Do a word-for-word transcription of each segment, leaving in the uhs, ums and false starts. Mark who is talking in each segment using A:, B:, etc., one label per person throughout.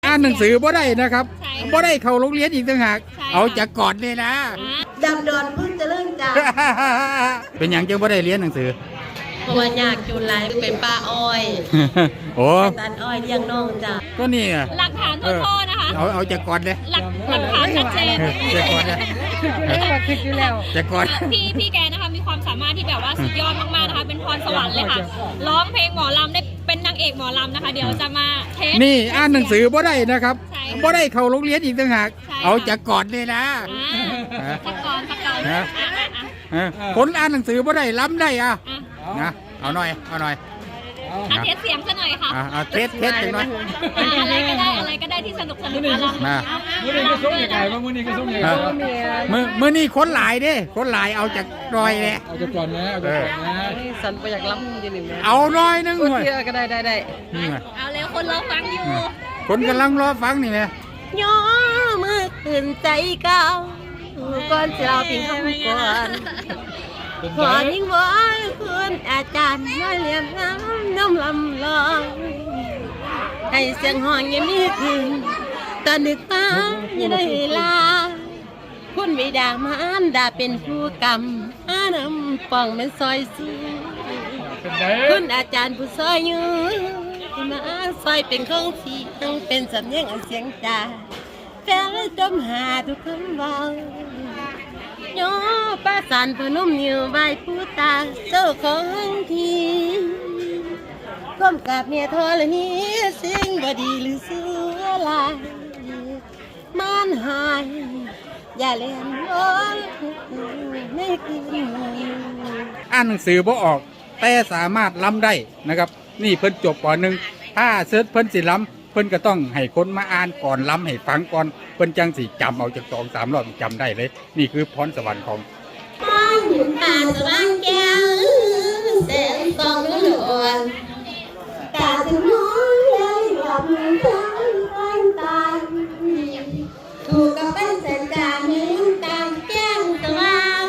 A: อ่านหนังสือบ่ได้นะครับบ่ได้เข้าโรงเรียนอีกต่างหากเอาจากก่อนเลยนะ
B: ดำดอนเพิ่งจะเริ่มจ้า
A: เป็นอย่างจังบ่ได้เรียนหนังสือ
B: เพราะว่าอยากจูนไลเป็นป้าอ้อย
A: โอ้
B: ตันอ้อยเลี้ยงน้องจ้า
A: ก็นี่
C: หลักฐานตัวพ่อนะคะ
A: เอาเอาจากก่อนเลย
C: หลักหลักฐานชัดเจน
A: จากก่อนเลย
B: คิดอยู่แล้ว
A: จากก่อน
C: พี่พี่แกนะคะมีความสามารถที่แบบว่าสุดยอดมากๆนะคะเป็นพรสวรรค์เลยค่ะร้องเพลงหมอลำได้เป็นนางเอกหมอลำนะคะเดี๋ยวจะมาเทส
A: นี่อ่านหนังสือบ่ได้นะครับบ่ได้เข้าโรงเรียนอีกต่างหากเอาจากก่อนเลยนะ
C: สักก่อนสักก่อน
A: คนอ่านหนังสือบ่ได้ล้ำได้อ่ะนะเอาหน่อยเอาหน่อย
C: อ่ะเทสเสียงซะหน่อยค่ะ
A: อ่ะเทสเทสหน่อย
C: อะไรก็ได้อะไรก็ได้ที่สนุกสนุกอะไร
A: มา
D: มื่อนี้ก็ส่งใหญ่มื่อนี้ก็ส่งใหญ่
A: มือมือนี่คนหลายเด้คนหลายเอาจากรอยเลย
D: เอาจากก่อนนะเอาจากก่อนนะ
B: สันไปอยากล้ำยังไงนะ
A: เอารอยนึง
B: เลยก็ได้ได้ได้
C: เอาเร็วคนรอฟังอยู่
A: คนกำลังรอฟังนี่ไหม
B: ย่อมือตื่นใจเก่าก่อนจะเอาปิ่งคำก่อนขอยิ่งวอนคุณอาจารย์มาเลี้ยงน้ำน้ำลำลองให้เสียงห้องยังมีถึงตอนดึกฟ้ายังได้ลาคุณวิดามานดาเป็นผู้กำอาน้ำปองเป็นซอยสูคุณอาจารย์ผู้ซอยยืนมาซอยเป็นของที่ต้องเป็นสำเนียงเสียงจ่าแฟนจมหาทุกคำเบาโยป้าสันพนุ่มนิ้วใบผู้ตาเจ้าของทีก้มกับเมียทอละนี้เสียงบดีหรือเสือลายมันหายอย่าเล่นร้อนไม่กิน
A: อ่านหนังสือบ่ออกแต่สามารถล้ำได้นะครับนี่เพิ่นจบป.หนึ่งถ้าเสิร์ชเพิ่นสิล้ำเพิ่นก็ต้องให้คนมาอ่านก่อนล้ำให้ฟังก่อนเพิ่นจังสิจำเอาจากสองสามรอบจำได้เลยนี่คือพรสวรรค์ของ
B: ตาสว่างแก้วแสงส่องนวลตาถึงน้อยเลยหลับทั้งวันตาถูกกับเป็นแสงจากนิ้วตาแก้งสว่าง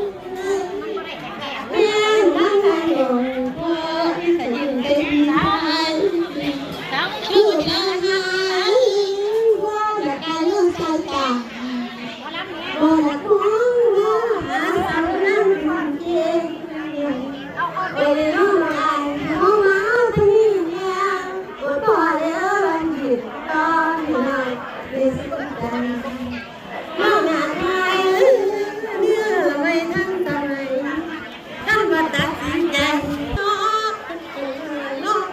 B: เพียงนั่งใจหลงพอขยิบเป็นสายชูชาหางว่าจะการลูกชายตาบอดหัวหาสาวนั่งความเย็นเอเดโน่ไอน้องมาที่นี่เนี่ยปวดพ่อเลี้ยงรันหยิบตอนหน่อยเรียนสุดใจน้องงานไทยเนื้อไม่ทั้งทำไมท่านมาตัดสินใจน้องน้อง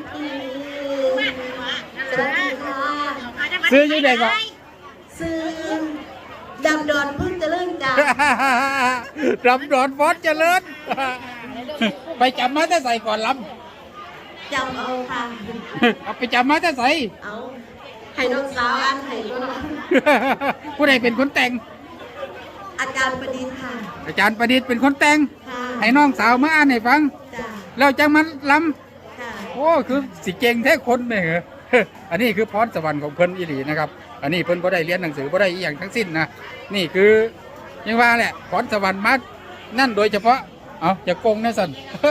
B: สวัสดีค่ะ
A: ซื้อยังไงก็
B: ซื้อดำดอนเพิ่งจะเริ่มจ้า
A: ดำดอนฟอสเจริญไปจำมาแต่ใส่ก่อนล้
B: ำจำเอาค่ะ
A: เอาไปจำมาแต่ใส่
B: เอาให้น้องสาวอันให้น้อง
A: ผู้ใดเป็นคนแต่ง
B: อาจารย์ประดิษฐ์ค่ะ
A: อาจารย์ประดิษฐ์เป็นคนแต่งให้น้องสาวมาอ่านให้ฟังแล้วจังมันล้ำโอ้คือสิเก่งแท้คนเนี่ยเหรออันนี้คือพรสวรรค์ของเพิ่นอีหลีนะครับอันนี้เพิ่นบ่ได้เรียนหนังสือบ่ได้อีหยังทั้งสิ้นนะนี่คือยังว่าแหละพรสวรรค์มานั่นโดยเฉพาะเอาจะโกงนะสัน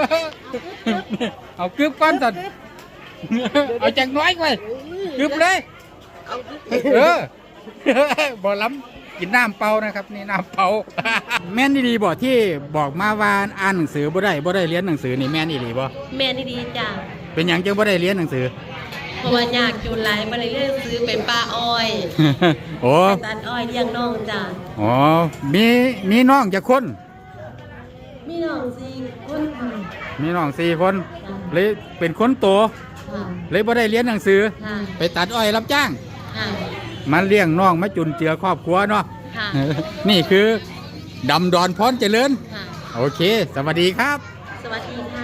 A: เอากึบก้อนสันเอาจังน้อยไว้กึบเลยเออบ่ล้ำกินน้ำเปล่านะครับนี่น้ำเปล่าแม่นดีบ่ที่บอกมาว่าอ่านหนังสือบ่ได้บ่ได้เรียนหนังสือนี่แม่นดีบ่
B: แม่นดีจ้า
A: เป็นอย่างจังบ่ได้เรียนหนังสือ
B: เพราะว่าอยากจูนไลมาเลยเรื่องซื้อเป็นป้าอ้อย
A: โอ้
B: ตัดอ้อยเลี้ยงน้องจ้า
A: อ๋อมีมีน้องจะคน
B: มีน้องสี่คน
A: มีน้องสี่คนเลยเป็นคนโตเลยบ่ได้เรียนหนังสือไปตัดอ้อยรับจ้างมาเลี้ยงน้องมาจุนเจือครอบครัวเนาะนี่คือดำดอนพรเจริญโอเคสวัสดีครับ
B: สวัสดีค่ะ